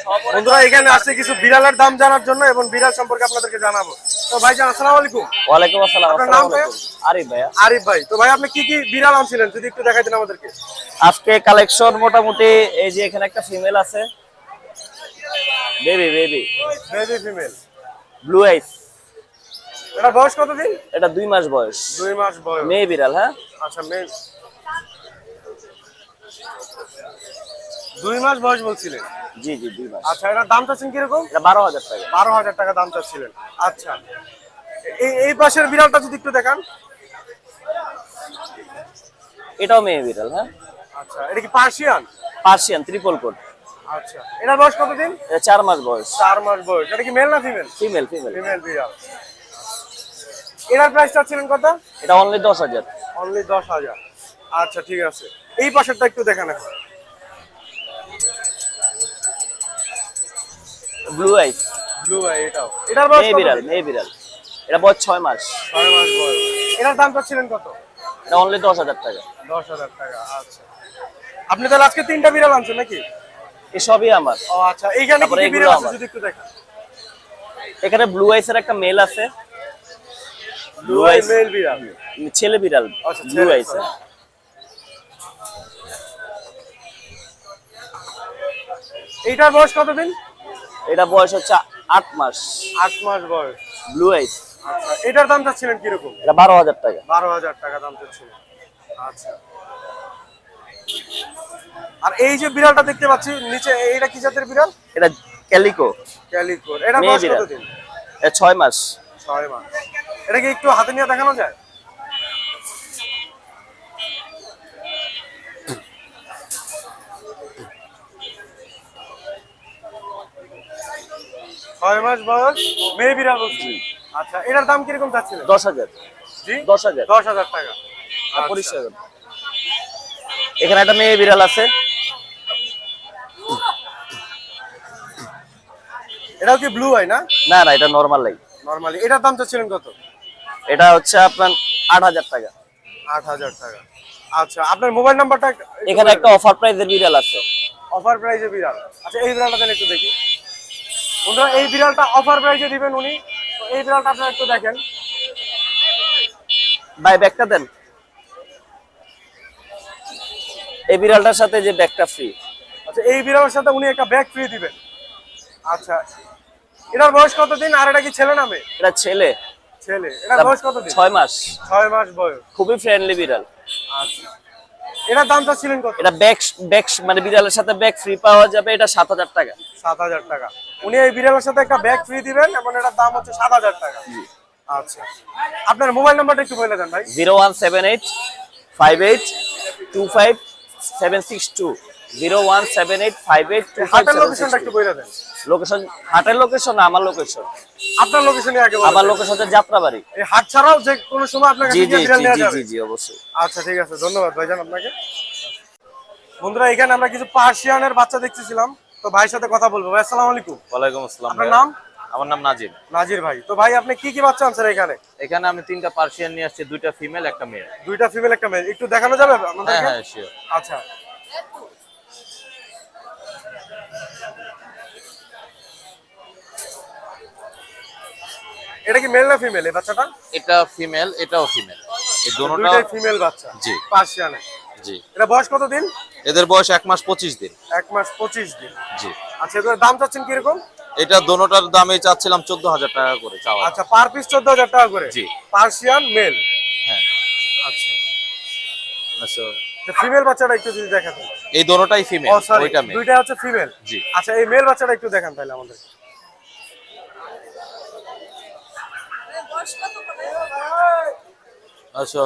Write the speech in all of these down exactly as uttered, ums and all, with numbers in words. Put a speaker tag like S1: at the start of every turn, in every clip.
S1: বন্ধুরা এখানে আসছে কিছু বিড়ালের দাম জানার জন্য এবং বিড়াল সম্পর্কে আপনাদেরকে জানাবো। তো ভাইজান আসসালামু আলাইকুম।
S2: ওয়ালাইকুম আসসালাম।
S1: আপনার নাম ভাই?
S2: আরিফ ভাইয়া।
S1: আরিফ ভাই, তো ভাই আপনি কি কি বিড়াল আনছিলেন যদি একটু দেখাইতেন আমাদেরকে?
S2: আজকে কালেকশন মোটামুটি এই যে এখানে একটা ফিমেল আছে, baby baby
S1: baby female
S2: blue eyes.
S1: এটা বয়স কতদিন?
S2: এটা দুই মাস বয়স,
S1: দুই মাস বয়স।
S2: মেয়ে বিড়াল। হ্যাঁ
S1: আচ্ছা, মেয়ে দুই মাস বয়স বলছিলেন?
S2: জি জি দুই মাস।
S1: আচ্ছা, এটার দাম চাচ্ছেন কিরকম?
S2: এটা বারো হাজার টাকা।
S1: বারো হাজার টাকা দাম চাচ্ছিলেন। আচ্ছা, এই এই পাশের বিড়ালটা যদি একটু দেখান।
S2: এটাও মেয়ে বিড়াল। হ্যাঁ
S1: আচ্ছা, এটা কি পার্সিয়ান?
S2: Persian triple coat.
S1: আচ্ছা, এটার বয়স কতদিন?
S2: এটা চার মাস বয়স।
S1: চার মাস বয়স। এটা কি মেল না ফিমেল?
S2: ফিমেল ফিমেল
S1: ফিমেল বিড়াল। এটার প্রাইস চাচ্ছিলেন কত?
S2: এটা অনলি দশ হাজার।
S1: অনলি দশ হাজার। আচ্ছা ঠিক আছে, এই পাশেরটা একটু দেখান এখন।
S2: ব্লু আইস
S1: ব্লু আই, এটাও এটার বয়স
S2: মেয়ে
S1: কত?
S2: বিড়াল মেয়ে বিড়াল। এটা বয়স ছয় মাস।
S1: ছয় মাস বয়স। এটার দাম চাচ্ছিলেন কত?
S2: এটা অনলি দশ হাজার টাকা।
S1: দশ হাজার টাকা। আচ্ছা, আপনি তাহলে আজকে তিনটা বিড়াল আনছেন নাকি?
S2: এসবই আমার।
S1: ও আচ্ছা, এইখানে কি
S2: তারপরে
S1: কি
S2: এগুলো
S1: বিড়াল আছে
S2: আমার।
S1: যদি একটু দেখান।
S2: এখানে ব্লু আইসের একটা মেল আছে।
S1: ব্লু আই মেল বিড়াল,
S2: ছেলে বিড়াল।
S1: আচ্ছা,
S2: ব্লু
S1: ছেলে,
S2: আইস।
S1: এইটার বয়স কতদিন?
S2: এটা বয়স হচ্ছে আট মাস।
S1: আট মাস বয়স।
S2: Blue eyes.
S1: আচ্ছা, এটার দাম চাচ্ছিলেন কিরকম?
S2: এটা বারো হাজার টাকা।
S1: বারো হাজার টাকা দাম চাচ্ছিলেন। আচ্ছা, আর এই যে বিড়ালটা দেখতে পাচ্ছি নিচে, এইটা কি জাতের বিড়াল?
S2: এটা ক্যালিকো।
S1: ক্যালিকো। এটা
S2: মেয়ে
S1: বয়স
S2: বিড়াল।
S1: কতদিন?
S2: এটা ছয় মাস।
S1: ছয় মাস। এটা কি একটু হাতে নিয়ে দেখানো যায়? ছয় মাস বয়স, মেয়ে বিড়াল বলছি। আচ্ছা, এটার দাম কিরকম চাচ্ছিলেন?
S2: দশ হাজার।
S1: জি,
S2: দশ হাজার।
S1: দশ হাজার টাকা। আচ্ছা।
S2: পরিষ্কার। এখানে একটা মেয়ে বিড়াল আছে।
S1: এটাও কি ব্লু আই না?
S2: না না, এটা নর্মাল লাই।
S1: নরমালি। এটার দাম চাচ্ছিলেন কত?
S2: এটা হচ্ছে আপনার আট হাজার টাকা।
S1: আট হাজার টাকা। আচ্ছা, আপনার মোবাইল নাম্বারটা?
S2: এখানে একটা অফার প্রাইজের বিড়াল আছে।
S1: অফার প্রাইজে বিড়াল। আচ্ছা, এই বিড়ালটা তাহলে একটু দেখি। বন্ধুরা, এই বিড়ালটা অফার প্রাইজে দিবেন উনি। তো এই বিড়ালটা আপনারা একটু দেখেন।
S2: ভাই ব্যাগটা দেন। এই বিড়ালটার সাথে যে ব্যাগটা ফ্রি।
S1: আচ্ছা, এই বিড়ালের সাথে উনি একটা ব্যাগ ফ্রি দিবেন। আচ্ছা, এটার বয়স কতদিন? আর এটা কি ছেলে না মেয়ে?
S2: এটা ছেলে।
S1: ছেলে। এটার বয়স কতদিন?
S2: ছয় মাস।
S1: ছয় মাস বয়স।
S2: খুবই ফ্রেন্ডলি বিড়াল।
S1: আচ্ছা, এটার দামটা ছিলেন কত?
S2: এটা ব্যাগ ব্যাগ মানে বিড়ালের সাথে ব্যাগ ফ্রি পাওয়া যাবে। এটা সাত হাজার টাকা।
S1: সাত হাজার টাকা। উনি এই বিড়ালের সাথে একটা ব্যাগ ফ্রি দিবেন এবং এটার দাম হচ্ছে সাত হাজার টাকা। আচ্ছা, আপনার মোবাইল নাম্বারটা একটু বলে দেন ভাই।
S2: Zero one seven eight five eight two five seven six two. Zero one seven eight five eight two five
S1: হাটের
S2: সেভেন
S1: লোকেশনটা
S2: সিক্স
S1: একটু
S2: টু।
S1: বলে দেন।
S2: লোকেশন হাটের লোকেশন না আমার লোকেশন।
S1: আপনার লোকেশনই আগে বলেন।
S2: আমার লোকেশন হচ্ছে যাত্রাবাড়ি।
S1: এই হাট ছাড়াও যে কোনো সময় আপনার কাছে
S2: জি জি
S1: গিয়ে বিড়াল
S2: জি
S1: নেওয়া
S2: জি
S1: যাবে?
S2: জি জি অবশ্যই।
S1: আচ্ছা ঠিক আছে, ধন্যবাদ ভাইজান আপনাকে। বন্ধুরা, এখানে আমরা কিছু পার্সিয়ানের বাচ্চা দেখতেছিলাম, তো ভাইয়ের সাথে কথা বলবো। ভাই আসসালামু আলাইকুম।
S3: ওয়ালাইকুম আসসালাম।
S1: আপনার নাম?
S3: আমার নাম নাজিম।
S1: নাজির ভাই। তো ভাই আপনি কি কি বাচ্চা আনছেন এখানে?
S3: এখানে আমি তিনটা পার্সিয়ান নিয়ে আসছি, দুইটা ফিমেল একটা মেল।
S1: দুইটা ফিমেল একটা মেল। একটু দেখানো যাবে
S3: হ্যাঁ
S1: আমাদেরকে?
S3: হ্যাঁ শিওর।
S1: আচ্ছা, এটা কি মেল না ফিমেল এই বাচ্চাটা?
S3: এটা ফিমেল, এটাও ফিমেল। এই দুটোটা
S1: দুইটাই ফিমেল বাচ্চা।
S3: জি
S1: পার্সিয়ানের।
S3: জি।
S1: এটা বয়স কত দিন?
S3: এদের বয়স এক মাস পঁচিশ দিন।
S1: এক মাস পঁচিশ দিন।
S3: জি।
S1: আচ্ছা, এগুলোর দাম চাচ্ছেন কিরকম?
S3: এটা দোনোটার দামে চাচ্ছিলাম চোদ্দ হাজার টাকা করে চাওয়া।
S1: আচ্ছা, পার পিস চোদ্দ হাজার টাকা করে?
S3: জি।
S1: Persian male.
S3: হ্যাঁ।
S1: আচ্ছা,
S3: আচ্ছা,
S1: ফিমেল বাচ্চাটা একটু যদি দেখাতেন।
S3: এই দোনোটাই ফিমেল,
S1: ও সরি,
S3: ওইটা মেল।
S1: দুইটা হচ্ছে ফিমেল।
S3: জি।
S1: আচ্ছা, এই মেল বাচ্চাটা একটু দেখান তাহলে আমাদের।
S3: আচ্ছা।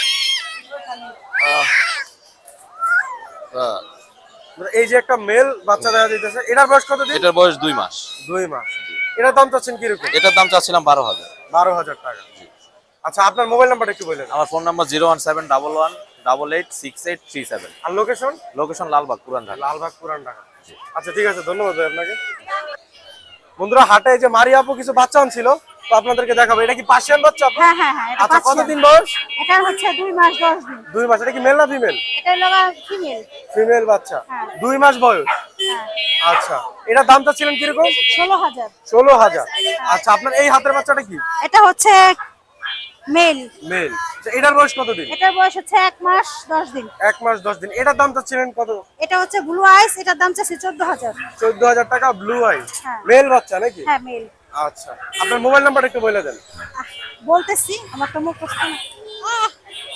S3: আহ, আহ,
S1: এই যে একটা মেল বাচ্চা দেখা যাইতেছে, এটার বয়স কত দিন?
S3: এটার বয়স দুই মাস।
S1: দুই মাস। এটার দাম চাচ্ছেন কিরকম?
S3: এটার দাম চাচ্ছিলাম বারো হাজার।
S1: বারো হাজার টাকা। আচ্ছা, আপনার মোবাইল নাম্বারটা একটু বললেন।
S3: আমার phone number zero one seven double one double eight six eight three seven.
S1: আর লোকেশন?
S3: লোকেশন লালবাগ, পুরান ঢাকা।
S1: লালবাগ, পুরান ঢাকা। আচ্ছা ঠিক আছে, ধন্যবাদ ভাই আপনাকে। বন্ধুরা, হাটে এই যে মারিয়া আপু কিছু বাচ্চা আনছিল, তো আপনাদেরকে দেখাবো। এটা কি পার্সিয়ান বাচ্চা?
S4: হ্যাঁ হ্যাঁ হ্যাঁ, এটা
S1: আচ্ছা,
S4: পাচ্ছি
S1: কতদিন
S4: আমি।
S1: বয়স?
S4: এটা হচ্ছে দুই মাস দশ দিন।
S1: দুই মাস। এটা কি মেল না ফিমেল?
S4: এটা লগা ফিমেল।
S1: ফিমেল বাচ্চা,
S4: হ্যাঁ।
S1: দুই মাস বয়স।
S4: হ্যাঁ,
S1: আচ্ছা, এটার দামটা ছিলেন কিরকম?
S4: ষোলো হাজার।
S1: ষোলো হাজার। আচ্ছা, আপনার এই হাতের বাচ্চাটা কি?
S4: এটা হচ্ছে মেল।
S1: মেল। এটার বয়স কতদিন?
S4: এটার বয়স হচ্ছে এক মাস দশ দিন।
S1: এক মাস দশ দিন। এটার দামটা ছিলেন কত?
S4: এটা হচ্ছে ব্লু আইস, এটার দাম চাচ্ছি চোদ্দ হাজার।
S1: চোদ্দ হাজার টাকা, ব্লু আই।
S4: হ্যাঁ।
S1: মেল বাচ্চা নাকি?
S4: হ্যাঁ মেল।
S1: আচ্ছা, আপনার মোবাইল নাম্বারটা একটু বলে দেন।
S4: আহ, বলতেছি আমার তো মুখ প্রশ্ন। আহ,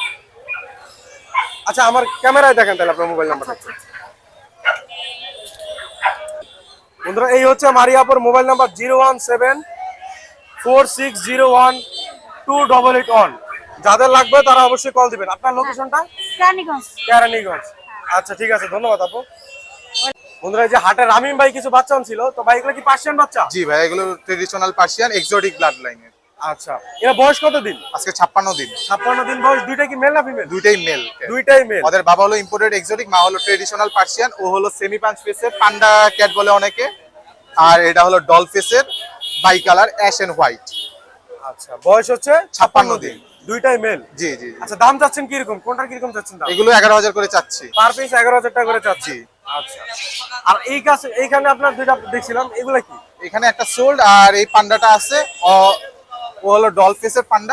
S1: আচ্ছা, আমার ক্যামেরায় দেখেন তাহলে আপনার মোবাইল
S4: আচ্ছা
S1: নাম্বারটা।
S4: আচ্ছা আচ্ছা।
S1: বন্ধুরা, এই হচ্ছে Mariapur mobile number zero one seven four six zero one two double eight one. যাদের লাগবে তারা অবশ্যই কল দিবেন। আপনার লোকেশনটা?
S4: রানীগঞ্জ।
S1: কেরানীগঞ্জ। আচ্ছা, ঠিক আছে, ধন্যবাদ আপু। বন্ধুরা, এই যে হাটে রামিম ভাই কিছু বাচ্চা ছিল, তো ভাই এগুলো কি পার্সিয়ান বাচ্চা?
S5: জি ভাই, এগুলো ট্রেডিশনাল পার্সিয়ান এক্সোটিক ব্লাড লাইনের।
S1: আচ্ছা, এরা বয়স কত দিন?
S5: আজকে ছাপ্পান্ন দিন।
S1: ছাপ্পান্ন দিন বয়স। দুইটা কি মেল না ফিমেল?
S5: দুইটাই মেল।
S1: দুইটাই মেল।
S5: ওদের বাবা হলো ইম্পোর্টেড এক্সোটিক, মা হলো ট্রেডিশনাল পার্সিয়ান। ও হলো সেমি পাঞ্চ ফেসের পান্ডা ক্যাট বলে অনেকে, আর এটা হলো ডল ফেসের by colour ash and white.
S1: আচ্ছা, বয়স হচ্ছে
S5: ছাপ্পান্ন দিন।
S1: দুইটাই মেল।
S5: জি জি।
S1: আচ্ছা, দাম চাচ্ছেন কিরকম? কোনটার কিরকম চাচ্ছেন দাম?
S5: এগুলো এগারো হাজার করে চাচ্ছি।
S1: পার পিস এগারো হাজার টাকা করে চাচ্ছি। আচ্ছা, আর এই কাছে এইখানে আপনার দুইটা দেখছিলাম, এগুলা কি?
S5: এখানে একটা সোল্ড, আর এই পান্ডাটা আছে, ও ও হলো ডল ফেসের পান্ডা।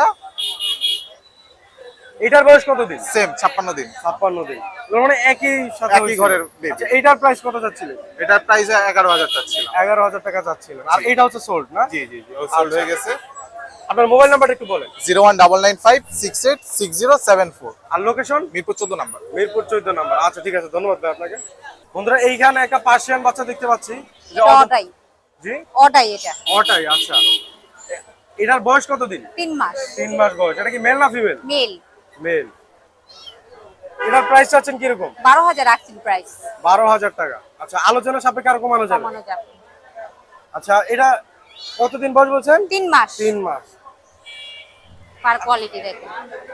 S1: এটার বয়স কত দিন?
S5: সেম ছাপ্পান্ন দিন।
S1: ছাপ্পান্ন দিন। এগুলো মানে একই সাথে
S5: একই
S1: হয়েছিল।
S5: ঘরের baby।
S1: আচ্ছা, এইটার প্রাইস কত চাচ্ছিলেন?
S5: এটার প্রাইস এগারো হাজার চাচ্ছিলাম।
S1: এগারো হাজার টাকা চাচ্ছিলেন। আর এটা হচ্ছে সোল্ড না?
S5: জি জি জি, ও সোল্ড
S1: আচ্ছা।
S5: হয়ে গেছে।
S1: আপনার মোবাইল নাম্বারটা একটু বলেন।
S5: Zero one double nine five six eight six zero seven four.
S1: আর লোকেশন?
S5: মিরপুর চোদ্দ নাম্বার।
S1: মিরপুর চৌদ্দ নাম্বার। আচ্ছা, ঠিক আছে, ধন্যবাদ ভাই আপনাকে। বন্ধুরা, এইখানে একটা পার্সিয়ান বাচ্চা দেখতে পাচ্ছি। যে
S4: এটা
S1: অত-
S4: ওটাই।
S1: জি,
S4: ওটাই এটা।
S1: ওটাই। আচ্ছা, এ- এটার বয়স কত দিন?
S4: তিন মাস।
S1: তিন মাস বয়স। এটা কি মেল না ফিমেল?
S4: মেল।
S1: মেল। এটার প্রাইস চাচ্ছেন কিরকম?
S4: বারো হাজার রাখছেন প্রাইস।
S1: বারো হাজার টাকা। আচ্ছা, আলোচনা সাপেক্ষে আর কমানো যাবে?
S4: কমানো যাবে।
S1: আচ্ছা, এটা কতদিন বয়স বলছেন?
S4: তিন মাস।
S1: তিন মাস।
S4: পার কোয়ালিটি দেখেন।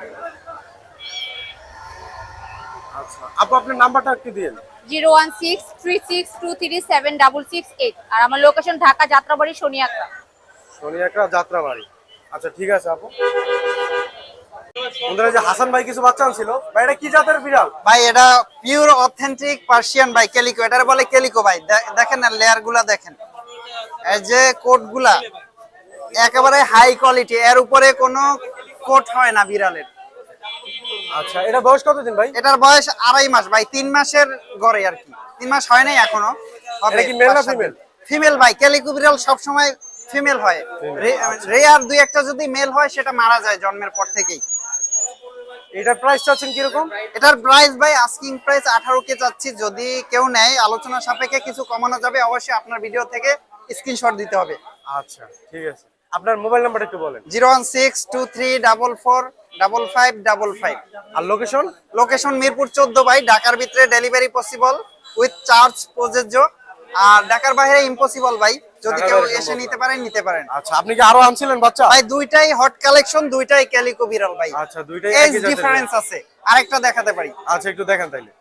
S1: আচ্ছা, আপু আপনার নাম্বারটা একটু দিন।
S4: Zero one six three six two three seven double six eight. আর আমার লোকেশন ঢাকা যাত্রাবাড়ি সোনিয়াকা।
S1: সোনিয়াকা যাত্রাবাড়ি। আচ্ছা, ঠিক আছে আপু। বন্ধুরা, এই যে হাসান ভাই কিছু বাচ্চা ছিল, ভাই এটা কি জাতের বিড়াল?
S6: ভাই এটা পিওর অথেন্টিক পার্সিয়ান ভাই, ক্যালিকো। এটার বলে ক্যালিকো ভাই। দে- দেখেন না লেয়ার গুলা দেখেন, এই যে কোট গুলা একেবারে হাই কোয়ালিটি, এর উপরে কোনো কোট হয় না বিড়ালের।
S1: আচ্ছা, এটা বয়স কতদিন ভাই?
S6: এটার বয়স আড়াই মাস ভাই, তিন মাসের গড়ে আর কি, তিন মাস হয় নাই এখনো।
S1: এটা কি male না female?
S6: ফিমেল ভাই। ক্যালিকো বিড়াল সবসময় ফিমেল হয়, রেয়ার দুই একটা যদি মেল হয় সেটা মারা যায় জন্মের পর থেকেই।
S1: এটার প্রাইস চাচ্ছেন কিরকম?
S6: এটার প্রাইস ভাই আস্কিং প্রাইস আঠারো কে চাচ্ছি, যদি কেউ নেয় আলোচনা সাপেক্ষে কিছু কমানো যাবে। অবশ্যই আপনার ভিডিও থেকে স্ক্রিনশট দিতে হবে।
S1: আচ্ছা, ঠিক আছে, আপনার মোবাইল নাম্বারটা একটু বলেন।
S6: Zero one six two three double four double five double five.
S1: আর লোকেশন?
S6: লোকেশন মিরপুর চোদ্দ ভাই। ঢাকার ভিতরে ডেলিভারি পসিবল উইথ চার্জ প্রযোজ্য, আর ঢাকার বাইরে ইম্পসিবল ভাই। যদি
S1: ঢাকার
S6: কেউ
S1: বাইরে
S6: এসে
S1: সম্ভব
S6: নিতে পারেন নিতে পারেন।
S1: আচ্ছা, আপনি কি আরো আনছিলেন বাচ্চা?
S6: ভাই দুইটাই হট কালেকশন, দুইটাই ক্যালিকো বিড়াল ভাই।
S1: আচ্ছা, দুইটাই
S6: এজ
S1: একই জাতের
S6: ডিফারেন্স আছে, আরেকটা দেখাতে পারি।
S1: আচ্ছা, একটু দেখেন তাইলে।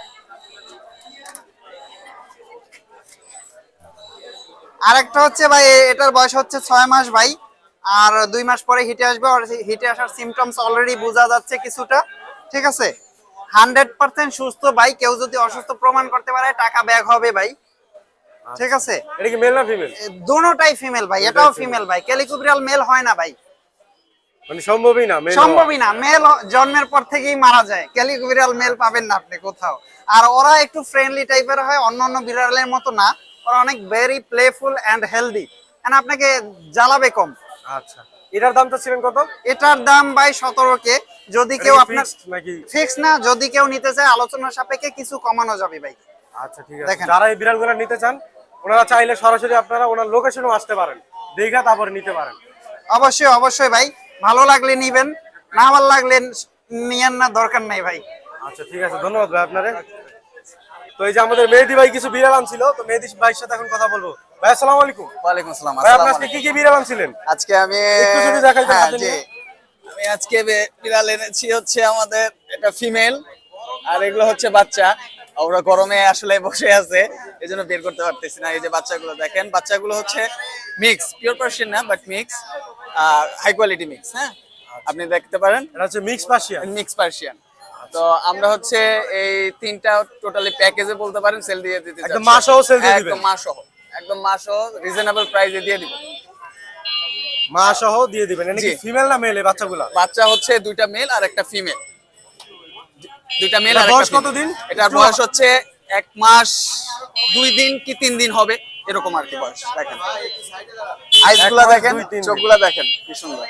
S6: আরেকটা হচ্ছে ভাই, এ- এটার বয়স হচ্ছে ছয় মাস ভাই, আর দুই মাস পরে হিটে আসবে। আর হিটে আসার সিমটমস অলরেডি বোঝা যাচ্ছে কিছুটা, ঠিক আছে। হান্ড্রেড পার্সেন্ট সুস্থ ভাই, কেউ যদি অসুস্থ প্রমাণ করতে পারে টাকা ব্যাক হবে ভাই, ঠিক আছে।
S1: এটা কি মেল না ফিমেল?
S6: এ, দোনোটাই ফিমেল ভাই, এটাও ফিমেল ভাই। ক্যালিকো বিড়াল মেল হয় না ভাই,
S1: মানে সম্ভবই না মেল?
S6: সম্ভবই না। মেল জন্মের পর থেকেই মারা যায়। ক্যালিকো বিড়াল মেল পাবেন না আপনি কোথাও। আর ওরা একটু ফ্রেন্ডলি টাইপের হয়, অন্যান্য বিড়ালের মতো না। ওরা অনেক very playful and healthy, and আপনাকে জ্বালাবে কম।
S1: আচ্ছা, এটার দামটা ছিলেন কত?
S6: এটার দাম ভাই সতেরো কে। যদি
S1: এটা
S6: কেউ
S1: কি
S6: আপনার
S1: fixed নাকি?
S6: ফিক্স না, যদি কেউ নিতে চায় আলোচনা সাপেক্ষে কিছু কমানো যাবে ভাই।
S1: আচ্ছা, ঠিক আছে,
S6: দেখেন।
S1: যারা এই বিড়ালগুলো নিতে চান ওনারা চাইলে সরাসরি আপনারা ওনার লোকেশনও আসতে পারেন, দেখা তারপরে নিতে পারেন।
S6: অবশ্যই অবশ্যই ভাই, ভালো লাগলে নিবেন, না ভালো লাগলে নিয়েন না, দরকার নাই ভাই।
S1: আচ্ছা, ঠিক আছে, ধন্যবাদ ভাই আপনারে। তো এই যে আমাদের মেহেদি ভাই কিছু বিড়াল আনছিল, তো মেহেদি ভাইয়ের সাথে এখন কথা বলবো। ভাই আসসালামু আলাইকুম।
S7: ওয়ালাইকুম আসসালাম।
S1: ভাই আপনি আজকে কি কি বিড়াল আনছিলেন?
S7: আজকে আমি
S1: একটু যদি দেখাইতেন
S7: হ্যাঁ,
S1: হাতে
S7: জি।
S1: নিয়ে।
S7: আমি আজকে বে- বিড়াল এনেছি হচ্ছে আমাদের এটা ফিমেল, আর এগুলো হচ্ছে বাচ্চা। ওরা গরমে আসলে বসে আছে, এই জন্য বের করতে পারতেছি না। এই যে বাচ্চাগুলো দেখেন, বাচ্চাগুলো হচ্ছে মিক্স, পিওর পার্সিয়ান না but mix, high quality mix. হ্যাঁ, আপনি দেখতে পারেন
S1: এটা হচ্ছে মিক্স পার্সিয়ান।
S7: Mix Persian. তো আমরা হচ্ছে এই তিনটা টোটালি প্যাকেজে বলতে পারেন সেল দিয়ে দিতে
S1: একদম
S7: চাচ্ছি।
S1: মা সহ সেল দিয়ে দিবেন?
S7: একদম মা সহ, একদম মা সহ রিজনেবল প্রাইসে দিয়ে দিব।
S1: মা সহ দিয়ে দিবেন। এটা কি
S7: জি।
S1: ফিমেল না মেল এই বাচ্চাগুলা?
S7: বাচ্চা হচ্ছে দুইটা মেল আর একটা ফিমেল, দুইটা মেল
S1: এটার
S7: আর একটা
S1: বয়স
S7: female।
S1: কতদিন?
S7: এটার
S1: একটু-
S7: বয়স হচ্ছে এক মাস দুই দিন কি তিন দিন হবে এরকম আর কি বয়স। দেখেন আইস গুলা
S1: এক মাস
S7: দেখেন,
S1: দুই তিন দিন।
S7: চোখগুলা দেখেন কি সুন্দর।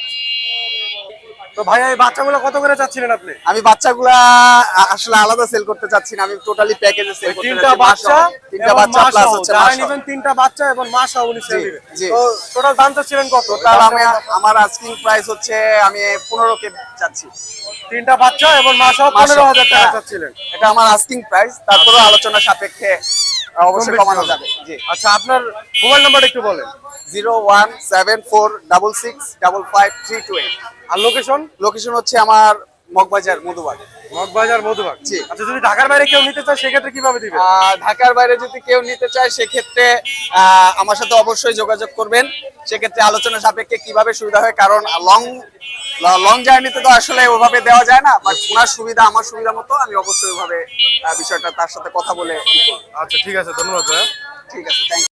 S1: তো ভাইয়া এই বাচ্চাগুলো কত করে চাচ্ছিলেন আপনি?
S7: আমি বাচ্চাগুলা আ- আসলে আলাদা সেল করতে চাচ্ছি না, আমি টোটালি প্যাকেজে সেল করতে
S1: তিনটা
S7: চাচ্ছি। মা
S1: বাচ্চা
S7: সহ। তিনটা
S1: এবং
S7: বাচ্চা
S1: মা
S7: প্লাস
S1: সহ।
S7: হচ্ছে
S1: যারা
S7: মা সহ।
S1: নেবেন তিনটা বাচ্চা এবং মা সহ উনি সেল
S7: জি,
S1: দিবেন।
S7: জি।
S1: তো টোটাল দাম চাচ্ছিলেন কত?
S7: টোটাল আমি আমার আস্কিং প্রাইস হচ্ছে আমি পনেরো কে চাচ্ছি।
S1: তিনটা বাচ্চা এবং মা সহ
S7: মা সহ।
S1: পনেরো হাজার টাকা
S7: হ্যাঁ।
S1: চাচ্ছিলেন।
S7: এটা আমার আস্কিং প্রাইস, তারপরেও আলোচনা সাপেক্ষে অবশ্যই
S1: বেশি
S7: কমানো
S1: হবে।
S7: যাবে। জি,
S1: আচ্ছা, আপনার মোবাইল নাম্বারটা একটু বলেন।
S7: Zero one seven four double six double five three two eight.
S1: আর লোকেশন?
S7: লোকেশন হচ্ছে আমার মগবাজার মধুবাগ।
S1: মগবাজার মধুবাগ।
S7: জি।
S1: আচ্ছা, যদি ঢাকার বাইরে কেউ নিতে চায় সেক্ষেত্রে কিভাবে দিবেন?
S7: আহ, ঢাকার বাইরে যদি কেউ নিতে চায় সেক্ষেত্রে আহ, আমার সাথে অবশ্যই যোগাযোগ করবেন। সেক্ষেত্রে আলোচনা সাপেক্ষে কিভাবে সুবিধা হয়, কারণ লং লং জার্নিতে তো আসলে ওভাবে দেওয়া যায় না, বাট ওনার সুবিধা আমার সুবিধা মতো আমি অবশ্যই ওভাবে আহ, বিষয়টা তার সাথে কথা বলে ই করব।
S1: আচ্ছা, ঠিক আছে, ধন্যবাদ ভাইয়া।
S7: ঠিক আছে, থ্যাংক